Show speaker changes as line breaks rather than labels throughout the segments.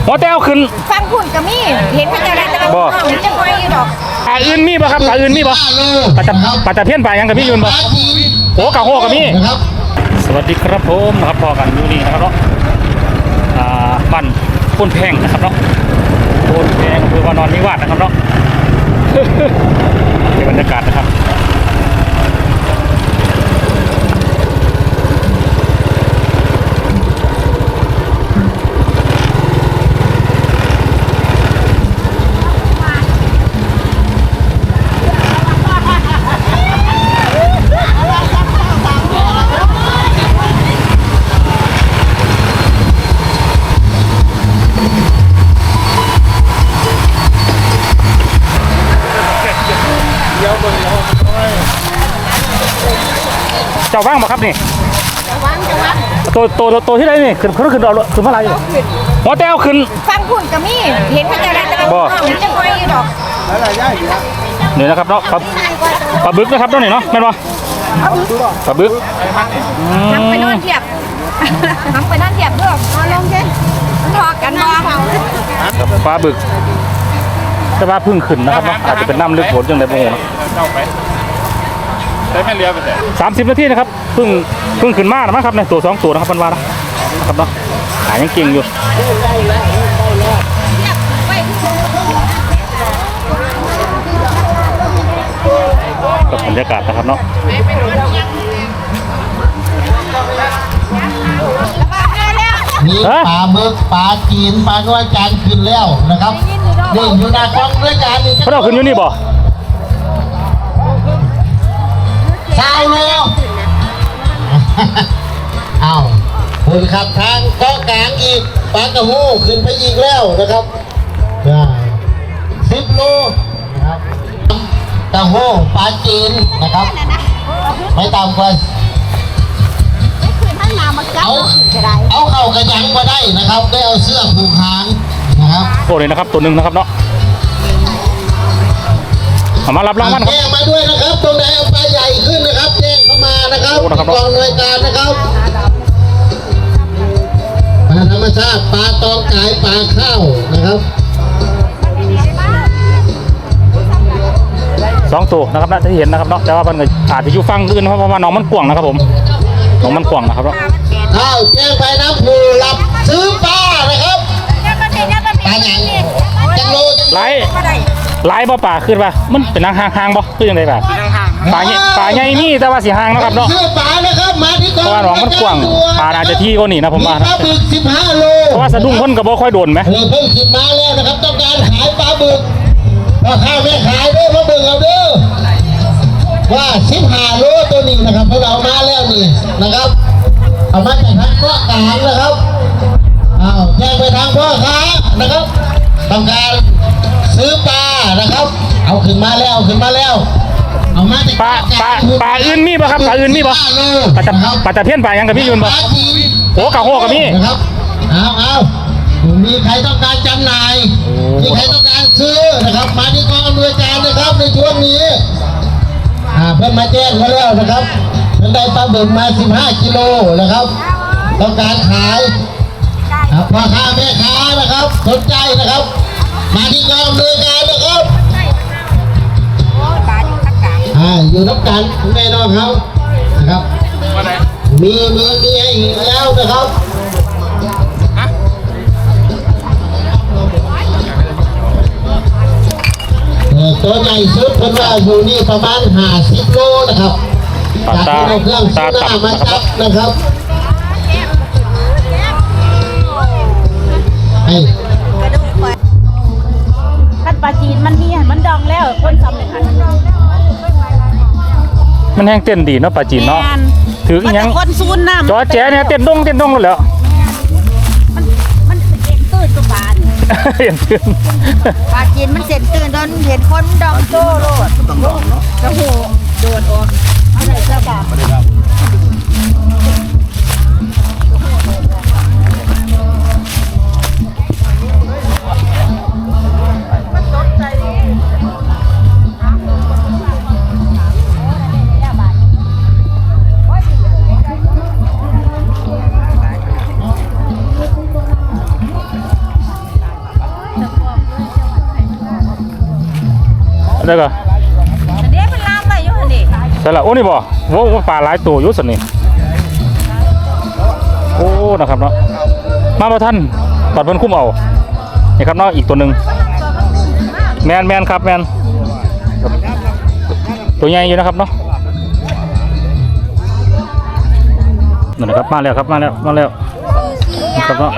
หัวแต้วขึ้น
ฟังคุณกับมี่เห็นพระเจ้าได้แต่ละห้องจะคอยดอก
ปลาอื่นมีป่ะครับปลาอื่นมีป่ะปลาตะเพี้ยนปลายังกับพี่ยืนป่ะโอ้กะโฮกับพี่สวัสดีครับผมนะครับพอกันอยู่นี่นะครับเนาะบ้านพ้นแพงนะครับเนาะพ้นแพงคือว่านอนนิวาสนะครับเนาะเดี๋ยวบรรยากาศนะครับเจ้าว่างบ่ครับนี่ตัวที่ไหนนี่ขึ้นเอาขึ้นเมื่อไรหัวแต้วขึ้น
ฟังคุณกับมี่เห็นพระเจ้าได้แต่ละห้องจะคอยดอก
นี่นะครับเนาะปลาบึกนะครับตัวนี้เนาะแม่นบ่ปลาบึก
ทำไปนอนเทียบทำไปนอนเทียบด้วยนอนลงใช่ทอกันนอน
ปลาบึกแต่ว่าพึ่งขึ้นนะครับเนาะอาจจะเป็นน้ำลึกฝนจังได๋บ่ฮู้นะได้แม่เรือไปแต่30 นาทีนะครับเพิ่งขึ้นมาแล้วมั้งครับในตัว2ตัวนะครับพันวานะครับเนาะหายังเก่งอยู่กับบรรยากาศนะครับเนาะ
มีปลาหมึกปลาจีนปลากระจานขึ้นแล้วนะครับเด่นอยู่หน้ากล้องด้วยกันนี่
เขาเอาขึ้นอยู่นี่บ่
สาวโลเอาคุณขับทางเกาะกลางอีกปลากระโหขึ้นไปอีกแล้วนะครับ10 โลนะครับกระโหปลาจีนนะครับไม่ต่ำกว่าเอาเข้ากระยังมาได้นะครับได้เอาเสื้อผูกหางนะครับ
โอ้เลยนะครับตัวหนึ่งนะครับเนาะมารับรางวัล
แจ้งมาด้วยนะครับตรงไหนเอาปลาใหญ่ขึ้นนะครับแจ้งเข้ามานะครับกองหน่วยการนะครับปลาธรรมชาติปลาตองกายปลาข้าวนะครับ
2 ตัวนะครับน่าจะเห็นนะครับเนาะแต่ว่ามันอาจจะอยู่ฟังอื่นเพราะว่าน้องมันกว้างนะครับผมน้องมันกว้างนะครับเนาะ
ข้าวแจ้งไปน้ำผูรับซื้อปลานะครับปลาหนังจังโล
ไล่บ่ป่าขึ้นป่ะมันเป็นห่างบ่คือยังไงป่ะป่าใหญ่นี่แต่ว่าสีห่างนะครับเนาะ
ซื้อปลานะครับมาที่กอง
เพราะว่าน้องมันกว้างปลาอาจจะที่ก็หนีนะผมว่า
ปลาบึก15 โล
เพราะว่าสะดุ้งพ่นกับบ่ค่อยโดนไหม
เพิ่งขึ้นมาแล้วนะครับต้องการขายปลาบึกราคาไม่ขายด้วยมาบึกเอาเด้อว่า15 โลตัวนี้นะครับพวกเรามาแล้วนี่นะครับเอามาจากทางเกาะกลางนะครับแจ้งไปทางพ่อค้านะครับต้องการซื้อปลานะครับเอาขึ้นมาแล้วเอามาจาก
ปลาอื่นมีป่ะครับปลาอื่นมีป่ะปลาตะเพี้ยนปลายังกับพี่ยืนป่ะโอ้กะโฮกับพี่
นะครับเอามีใครต้องการจำหน่ายมีใครต้องการซื้อนะครับมาที่กองอำนวยการนะครับในช่วงนี้เพิ่มมาแจ้งมาแล้วนะครับท่านได้ปลาบึกมา15 กิโลนะครับต้องการขายพ่อค้าแม่ค้านะครับสนใจนะครับมาที่กองอำนวยการนะครับอยู่นับกันแน่นอนครับนะครับมีให้อีกแล้วนะครับตัวใหญ่สุดเพิ่นว่าอยู่นี่ประมาณ50 โลนะครับจากที่เราเครื่องซื้อหน้ามาจับนะครับ
ขั้นปลาจีนมันมีมันดองแล้วคนทำเลยค่ะ
มันแห้งเต้นดีเนาะปลาจีนเนาะถือยัง
คนซูนน้ำ
จอแจ๋เนี่ยเต้นดงแล้ว
มันเห็นตื่นตัวปลา
เห็นตื่น
ปลาจีนมันเห็นตื่นโดนเห็นคนดองโซ่โลดกระหูโดนออกอะไรเจ้าบ่าว
ได้ก็
อันนี้เป็นลามไปอยู่หั่นดิ
แต่ละโอ้นี่บ่โว้ปลาหลายตัวอยู่สันนี่โอ้นะครับเนาะมาบ่ทันตอนเพิ่นคุ้มเอานี่ครับเนาะอีกตัวหนึงแมนครับแมนตัวใหญ่อยู่นะครับเนาะนั่นนะครับมาแล้วครับมาแล้วนะครับเนาะ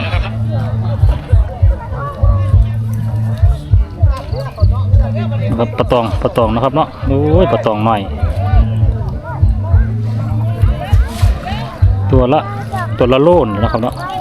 นะครับปลาตองนะครับเนาะโอ้ยปลาตองหน่อยตัวละโลนนะครับเนาะ